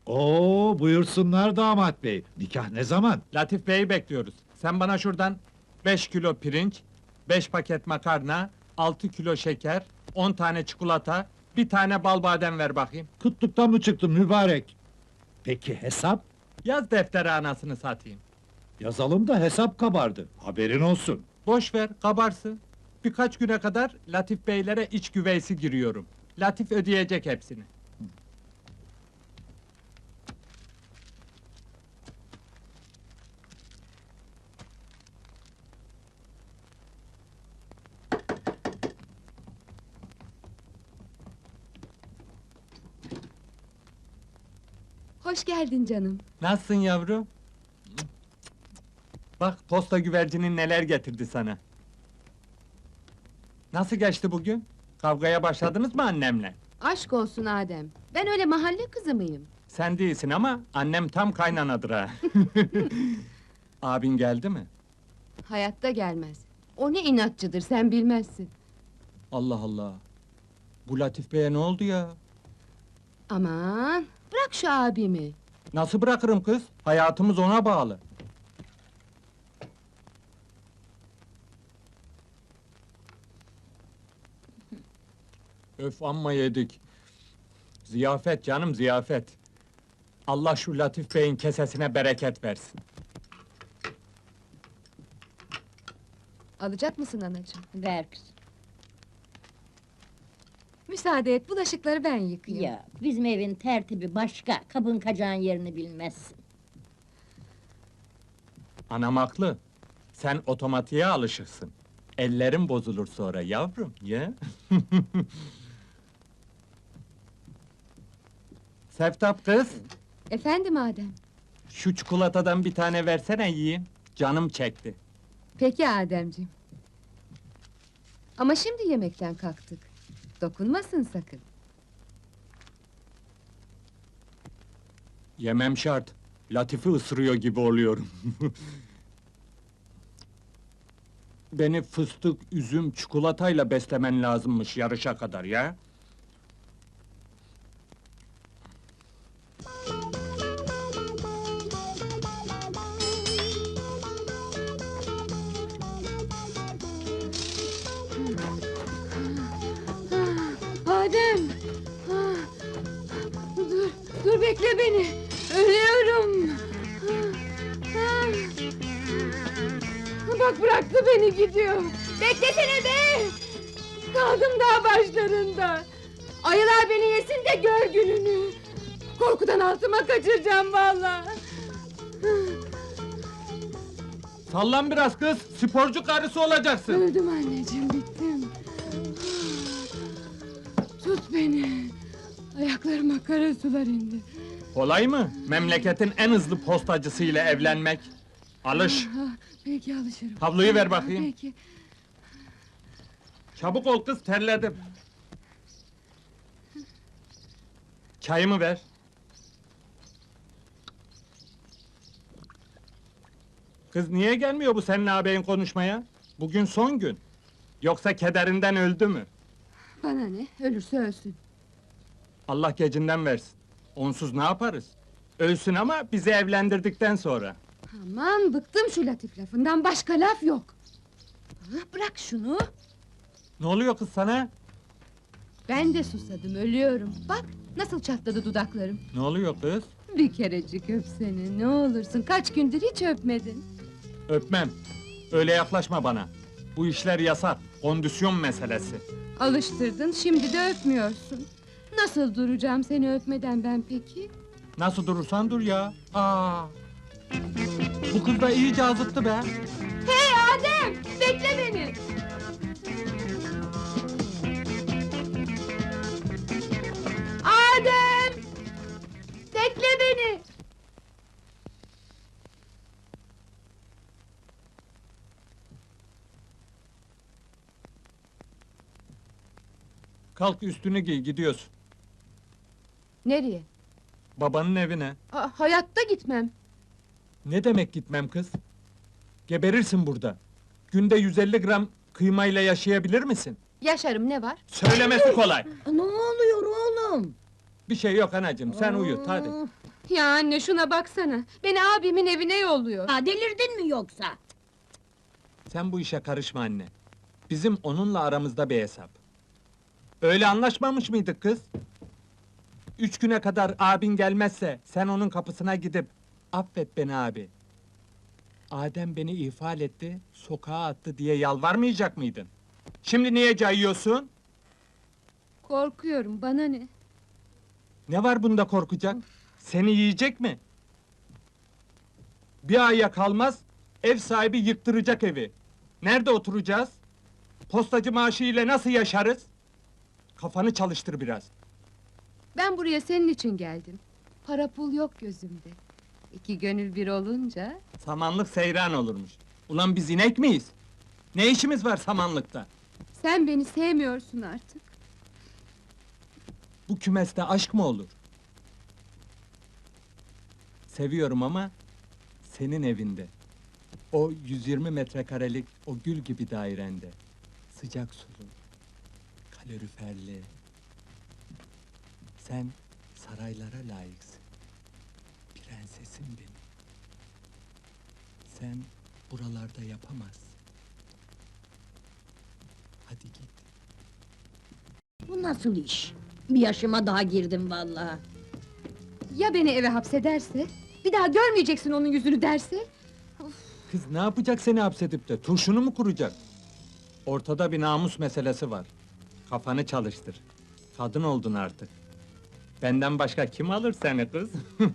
Oo, buyursunlar damat bey. Nikah ne zaman? Latif Bey'i bekliyoruz. Sen bana şuradan 5 kilo pirinç, 5 paket makarna, 6 kilo şeker, 10 tane çikolata, bir tane bal badem ver bakayım. Kıtlıktan mı çıktın mübarek? Peki hesap? Yaz deftere anasını satayım. Yazalım da hesap kabardı. Haberin olsun. Boş ver, kabarsın. Birkaç güne kadar Latif Beylere iç güveysi giriyorum. Latif ödeyecek hepsini. Hoş geldin canım. Nasılsın yavrum? Bak, posta güvercinin neler getirdi sana. Nasıl geçti bugün? Kavgaya başladınız mı annemle? Aşk olsun Adem. Ben öyle mahalle kızı mıyım? Sen değilsin ama annem tam kaynanadır ha. Abin geldi mi? Hayatta gelmez. O ne inatçıdır sen bilmezsin. Allah Allah! Bu Latif Bey'e ne oldu ya? Aman bırak şu abimi. Nasıl bırakırım kız? Hayatımız ona bağlı. Öf, amma yedik. Ziyafet canım, ziyafet. Allah şu Latif Bey'in kesesine bereket versin. Alacak mısın anacığım? Ver kızım. Müsaade et bulaşıkları ben yıkayayım. Ya bizim evin tertibi başka, kabın kacağın yerini bilmezsin. Anam haklı. Sen otomatiğe alışırsın. Ellerin bozulur sonra yavrum, ya. Seftap kız, Efendim Adem. şu çikolatadan bir tane versene yiyeyim. Canım çekti. Peki Ademciğim. Ama şimdi yemekten kalktık. Dokunmasın sakın. Yemem şart. Latif'i ısırıyor gibi oluyorum. Beni fıstık, üzüm, çikolatayla beslemen lazımmış yarışa kadar ya. Adem! Ah, dur bekle beni! Ölüyorum! Ah, bak bıraktı beni gidiyor! Beklesene be! Kaldım daha başlarında! Ayılar beni yesin de gör gününü! Korkudan altıma kaçıracağım vallahi! Sallan biraz kız, sporcu karısı olacaksın. Öldüm anneciğim, bittim! Tut beni! Ayaklarıma kara sular indi! Kolay mı? Memleketin en hızlı postacısıyla evlenmek. Alış. Ah, peki alışırım. Havluyu ver bakayım. Peki. Çabuk ol kız, terledim. Çayımı ver. Kız niye gelmiyor bu senin ağabeyin konuşmaya? Bugün son gün. Yoksa kederinden öldü mü? Bana ne? Ölürse ölsün. Allah gecinden versin. Onsuz ne yaparız? Ölsün ama bizi evlendirdikten sonra. Aman bıktım şu latif lafından, başka laf yok. Ah, bırak şunu. Ne oluyor kız sana? Ben de susadım, ölüyorum. Bak nasıl çatladı dudaklarım. Ne oluyor kız? Bir kerecik öp seni, ne olursun. Kaç gündür hiç öpmedin. Öpmem. Öyle yaklaşma bana. Bu işler yasak. Kondisyon meselesi. Alıştırdın, şimdi de öpmüyorsun. Nasıl duracağım seni öpmeden ben peki? Nasıl durursan dur ya. Aa. Bu kız da iyice azıttı be. Hey Adem! Bekle beni! Adem! Bekle beni! Kalk üstünü giy, gidiyorsun. Nereye? Babanın evine. Hayatta gitmem. Ne demek gitmem kız? Geberirsin burada. Günde 150 gram kıymayla yaşayabilir misin? Yaşarım, ne var? Söylemesi kolay. Ne oluyor oğlum? Bir şey yok anacığım, sen uyut hadi. Ya anne şuna baksana. Beni abimin evine yolluyor. Ha, delirdin mi yoksa? Sen bu işe karışma anne. Bizim onunla aramızda bir hesap. Öyle anlaşmamış mıydık kız? 3 güne kadar abin gelmezse, sen onun kapısına gidip... ...Affet beni abi. Adem beni ihfal etti, sokağa attı diye yalvarmayacak mıydın? Şimdi niye cayıyorsun? Korkuyorum, bana ne? Ne var bunda korkacak? Seni yiyecek mi? Bir aya kalmaz, ev sahibi yıktıracak evi. Nerede oturacağız? Postacı maaşı ile nasıl yaşarız? Kafanı çalıştır biraz. Ben buraya senin için geldim. Para pul yok gözümde. İki gönül bir olunca... Samanlık seyran olurmuş. Ulan biz inek miyiz? Ne işimiz var samanlıkta? Sen beni sevmiyorsun artık. Bu kümeste aşk mı olur? Seviyorum ama... ...senin evinde. O 120 metrekarelik, o gül gibi dairende. Sıcak sulu, kaloriferli. Sen saraylara layıksın. Prensesim benim. Sen buralarda yapamazsın. Hadi git. Bu nasıl iş? Bir yaşıma daha girdim vallahi. Ya beni eve hapsederse? Bir daha görmeyeceksin onun yüzünü derse? Kız ne yapacak seni hapsedip de, turşunu mu kuracak? Ortada bir namus meselesi var. Kafanı çalıştır. Kadın oldun artık. Benden başka kim alır seni kız?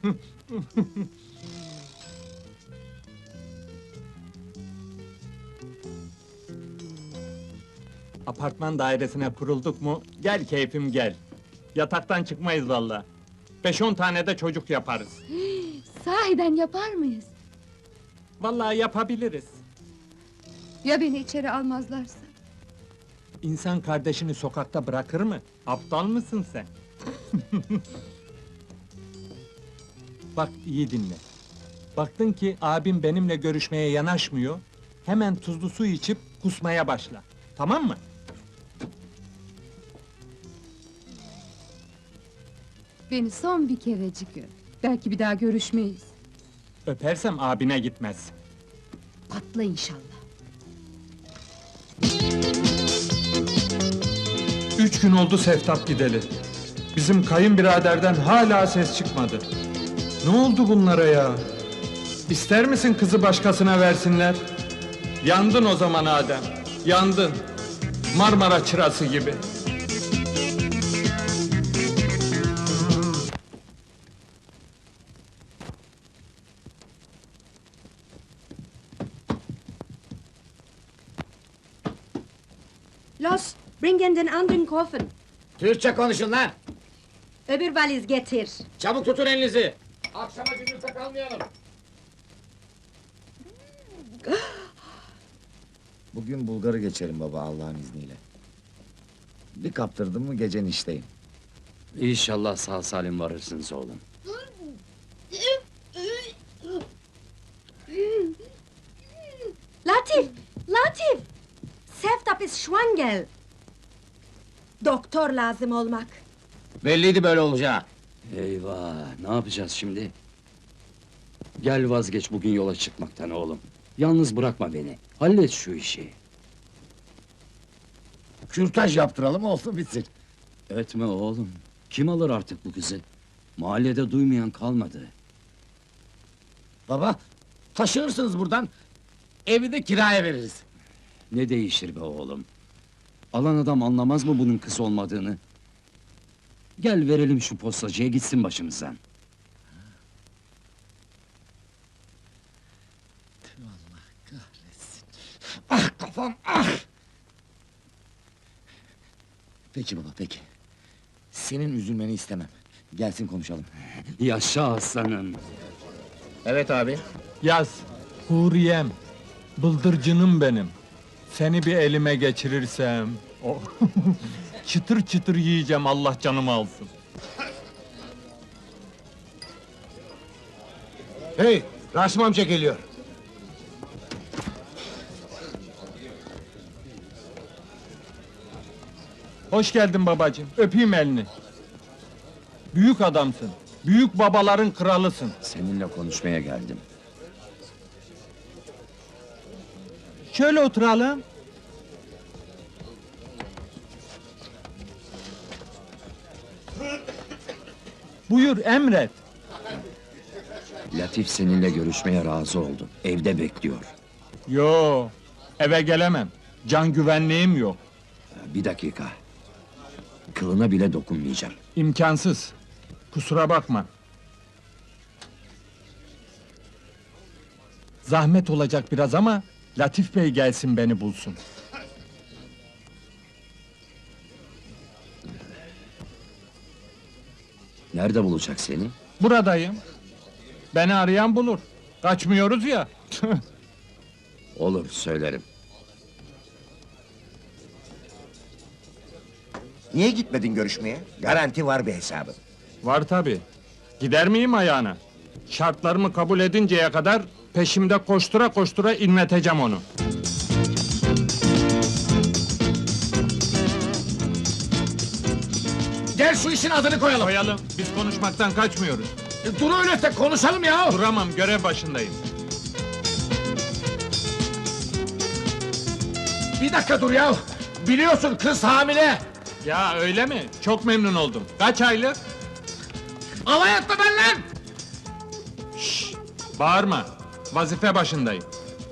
Apartman dairesine kurulduk mu, gel keyfim gel. Yataktan çıkmayız vallahi. 5-10 tane de çocuk yaparız. Sahiden yapar mıyız? Vallahi yapabiliriz. Ya beni içeri almazlarsa? İnsan kardeşini sokakta bırakır mı? Aptal mısın sen? Bak iyi dinle. Baktın ki abim benimle görüşmeye yanaşmıyor, hemen tuzlu su içip kusmaya başla. Tamam mı? Beni son bir kerecik öp. Belki bir daha görüşmeyiz. Öpersem abine gitmez. Patla inşallah. 3 gün oldu Seftap gideli. Bizim kayınbiraderden hala ses çıkmadı. Ne oldu bunlara ya? İster misin kızı başkasına versinler? Yandın o zaman Adem, yandın. Marmara çırası gibi. Los, bringen den anderen Koffer. Türkçe konuşun lan! Öbür valiz getir. Çabuk tutun elinizi! Akşama gündüzde kalmayalım! Bugün Bulgar'ı geçerim baba Allah'ın izniyle. Bir kaptırdım mı gecen işteyim. İnşallah sağ salim varırsınız oğlum. Latif, Latif! Seftap ist schwanger. Doktor lazım olmak. Belliydi böyle olacağı. Eyvah, ne yapacağız şimdi? Gel vazgeç bugün yola çıkmaktan oğlum. Yalnız bırakma beni, hallet şu işi. Kürtaj yaptıralım olsun bitsin. Etme oğlum, kim alır artık bu kızı? Mahallede duymayan kalmadı. Baba, taşınırsınız buradan. Evi de kiraya veririz. Ne değişir be oğlum? Alan adam anlamaz mı bunun kız olmadığını? Gel verelim şu postacıya gitsin başımızdan. Allah kahretsin. Ah kafam ah! Peki baba peki. Senin üzülmeni istemem. Gelsin konuşalım. Yaşa aslanım! Evet abi. Yaz, Huriyem, bıldırcınım benim. Seni bir elime geçirirsem... çıtır çıtır yiyeceğim, Allah canımı alsın. Hey, Rasim amca geliyor. Hoş geldin babacığım, öpeyim elini. Büyük adamsın. Büyük babaların kralısın. Seninle konuşmaya geldim. Şöyle oturalım. Buyur, emret. Latif seninle görüşmeye razı oldu. Evde bekliyor. Yo, eve gelemem. Can güvenliğim yok. Bir dakika. Kılına bile dokunmayacağım. İmkansız. Kusura bakma. Zahmet olacak biraz ama Latif Bey gelsin beni bulsun. Nerede bulacak seni? Buradayım. Beni arayan bulur. Kaçmıyoruz ya. Olur, söylerim. Niye gitmedin görüşmeye? Garanti var bir hesabın. Var tabi. Gider miyim ayağına? Şartlarımı kabul edinceye kadar peşimde koştura koştura inleteceğim onu. Gel şu işin adını koyalım. Koyalım, biz konuşmaktan kaçmıyoruz. Dur öyle de konuşalım ya. Duramam, görev başındayım. Bir dakika dur ya. Biliyorsun kız hamile. Ya öyle mi? Çok memnun oldum. Kaç aylık? Alay etme benimle. Bağırma. Vazife başındayım.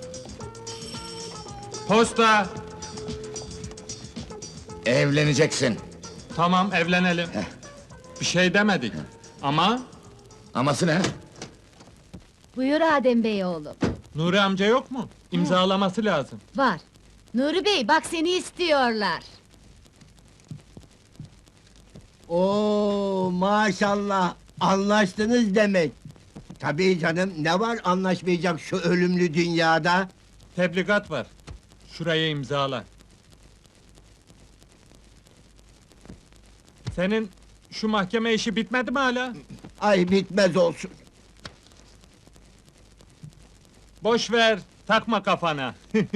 Posta. Evleneceksin. Tamam, evlenelim. Bir şey demedik. Ama Aması ne? Buyur Adem Bey oğlum. Nuri amca yok mu? İmzalaması lazım. Var. Nuri Bey bak seni istiyorlar. Oo maşallah anlaştınız demek. Tabii canım ne var anlaşmayacak şu ölümlü dünyada? Tebligat var. Şuraya imzala. Senin şu mahkeme işi bitmedi mi hala? Ay bitmez olsun. Boş ver, takma kafana.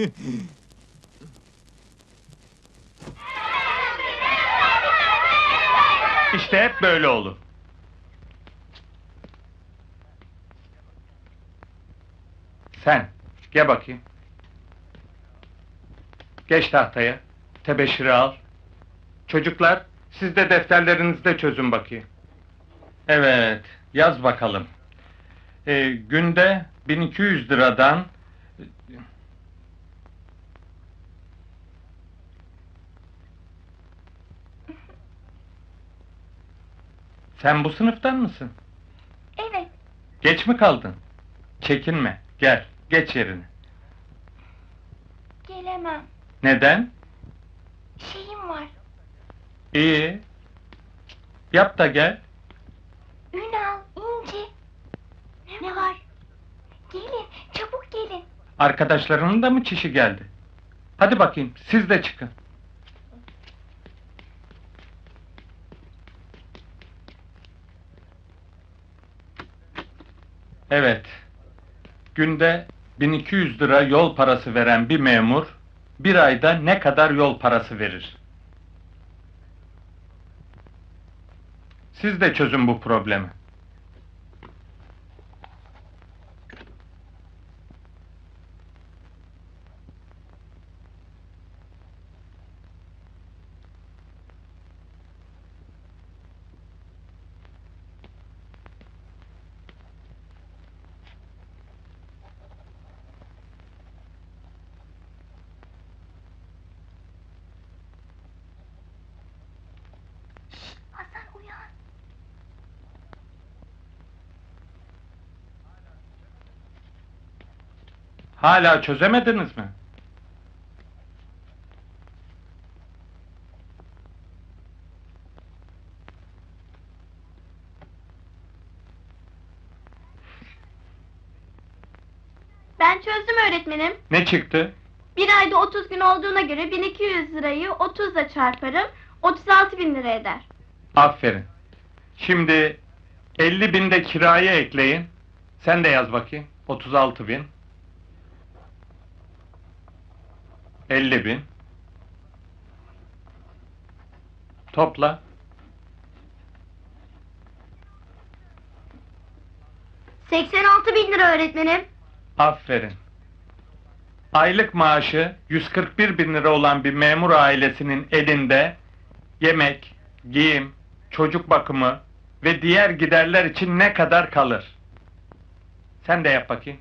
İşte hep böyle olur. Sen, gel bakayım. Geç tahtaya, tebeşiri al. Çocuklar, siz de defterlerinizde çözün bakayım. Evet, yaz bakalım. Günde 1200 liradan... Sen bu sınıftan mısın? Evet, Geç mi kaldın? Çekinme, gel, geç yerine. gelemem. Neden? Şeyim var. İyi. Yap da gel. Ünal, İnci. Ne var? Gelin, çabuk gelin. Arkadaşlarının da mı çişi geldi? Hadi bakayım, siz de çıkın. Evet. Günde 1200 lira yol parası veren bir memur, bir ayda ne kadar yol parası verir? Siz de çözün bu problemi. Hasan uyan. Hala çözemediniz mi? Ben çözdüm öğretmenim. Ne çıktı? Bir ayda 30 gün olduğuna göre 1200 lirayı 30'la çarparım. 36.000 lira eder. Aferin. Şimdi 50.000 de kiraya ekleyin. Sen de yaz bakayım. 36.000. 50.000. Topla. 86.000 lira öğretmenim. Aferin. Aylık maaşı 141.000 lira olan bir memur ailesinin elinde yemek, giyim, çocuk bakımı ve diğer giderler için ne kadar kalır? Sen de yap bakayım.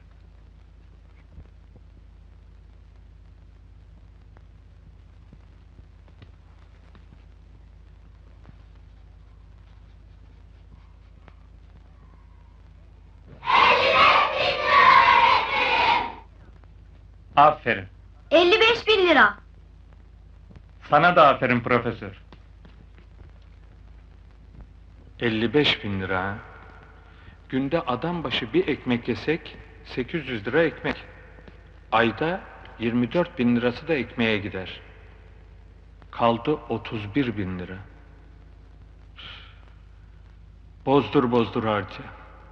Aferin. 55.000 lira. Sana da aferin profesör. 55.000 lira ha? Günde adam başı bir ekmek yesek 800 lira ekmek. Ayda 24.000 lirası da ekmeğe gider. Kaldı 31.000 lira. Bozdur bozdur harca.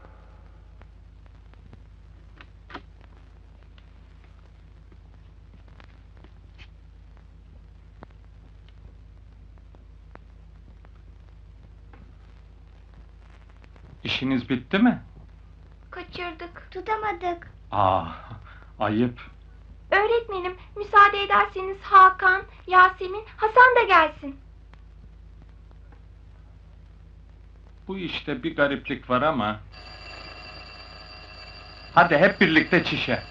İşiniz bitti mi? Kaçırdık, tutamadık. Ayıp. Öğretmenim, müsaade ederseniz Hakan, Yasemin, Hasan da gelsin. Bu işte bir gariplik var ama... Hadi hep birlikte çişe.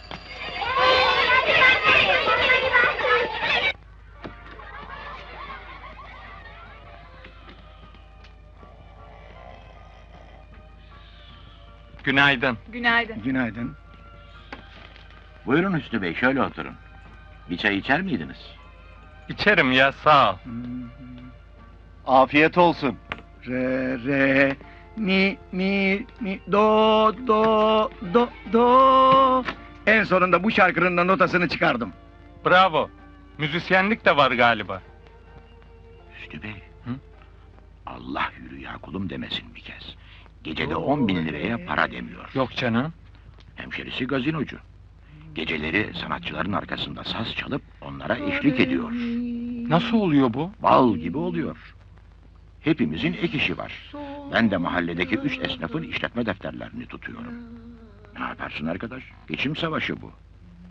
Günaydın. Günaydın. Günaydın. Buyurun Hüsnü Bey, şöyle oturun. Bir çay içer miydiniz? İçerim ya, sağ ol. Afiyet olsun. Re, mi, do. En sonunda bu şarkının da notasını çıkardım. Bravo. Müzisyenlik de var galiba. Hüsnü Bey. Hı? Allah yürü ya kulum demesin bir kez. Gecede 10.000 liraya para demiyor. Yok canım. Hemşerisi gazinocu. Geceleri sanatçıların arkasında saz çalıp onlara eşlik ediyor. Nasıl oluyor bu? Bal gibi oluyor. Hepimizin ek işi var. Ben de mahalledeki 3 esnafın işletme defterlerini tutuyorum. Ne yaparsın arkadaş? Geçim savaşı bu.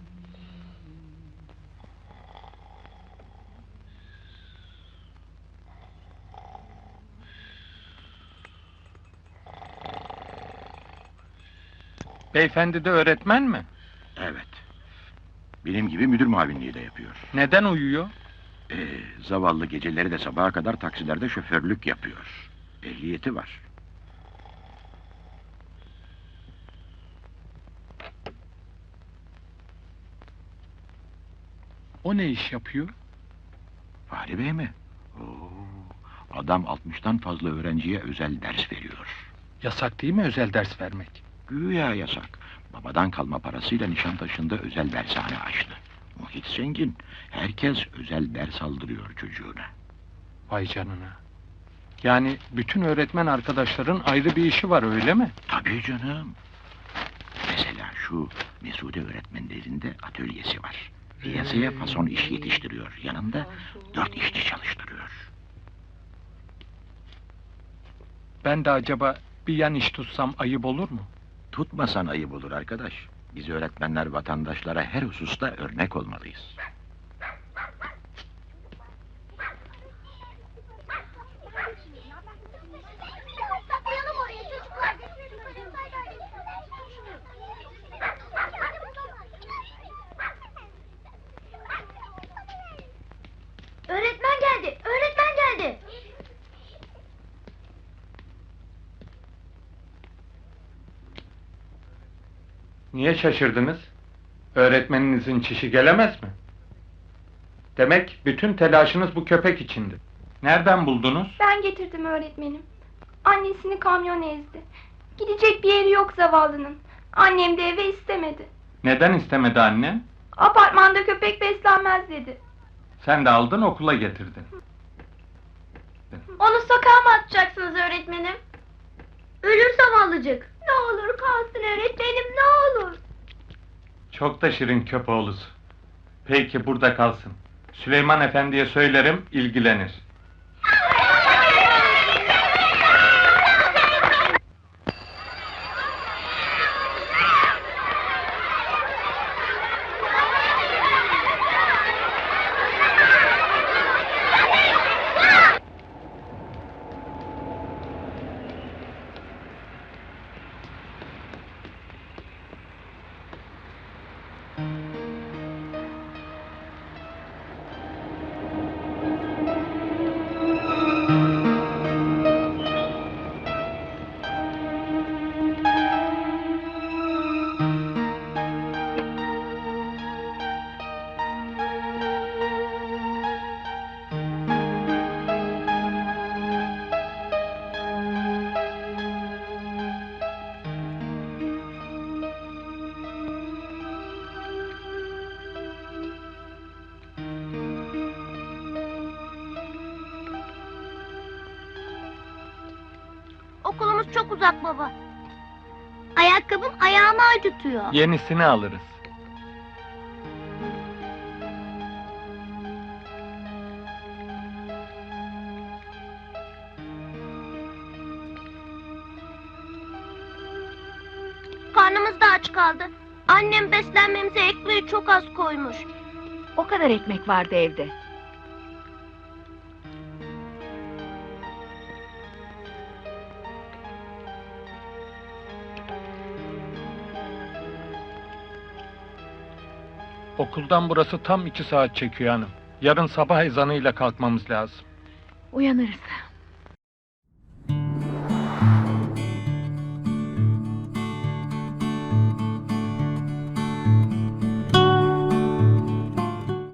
Beyefendi de öğretmen mi? Evet. Benim gibi müdür muavinliği de yapıyor. Neden uyuyor? Zavallı geceleri de sabaha kadar taksilerde şoförlük yapıyor. Ehliyeti var. O ne iş yapıyor? Fahri Bey mi? Oo, adam 60'tan fazla öğrenciye özel ders veriyor. Yasak değil mi özel ders vermek? Güya yasak. Babadan kalma parasıyla Nişantaşı'nda özel dershane açtı. Muhit zengin. Herkes özel ders aldırıyor çocuğuna. Vay canına. Yani bütün öğretmen arkadaşların ayrı bir işi var öyle mi? Tabii canım. Mesela şu Mesude öğretmenlerin de atölyesi var. Piyasaya fason iş yetiştiriyor. Yanında 4 işçi çalıştırıyor. Ben de acaba bir yan iş tutsam ayıp olur mu? Tutmasan ayıp olur arkadaş. Biz öğretmenler vatandaşlara her hususta örnek olmalıyız. Öğretmen geldi, öğretmen geldi. Niye şaşırdınız? Öğretmeninizin çişi gelemez mi? Demek bütün telaşınız bu köpek içindi. Nereden buldunuz? Ben getirdim öğretmenim. Annesini kamyon ezdi. Gidecek bir yeri yok zavallının. Annem de eve istemedi. Neden istemedi annen? Apartmanda köpek beslenmez dedi. Sen de aldın okula getirdin. Onu sokağa mı atacaksınız öğretmenim? Ölür zavallıcık. Ne olur kalsın öğretmenim, ne olur. Çok da şirin köpoğlusu. Peki burada kalsın. Süleyman Efendi'ye söylerim, ilgilenir. çok uzak baba. Ayakkabım ayağımı acıtıyor. Yenisini alırız. Karnımız da aç kaldı. Annem beslenmemize ekmeği çok az koymuş. O kadar ekmek vardı evde. Okuldan burası tam 2 saat çekiyor hanım. Yarın sabah ezanıyla kalkmamız lazım. Uyanırız.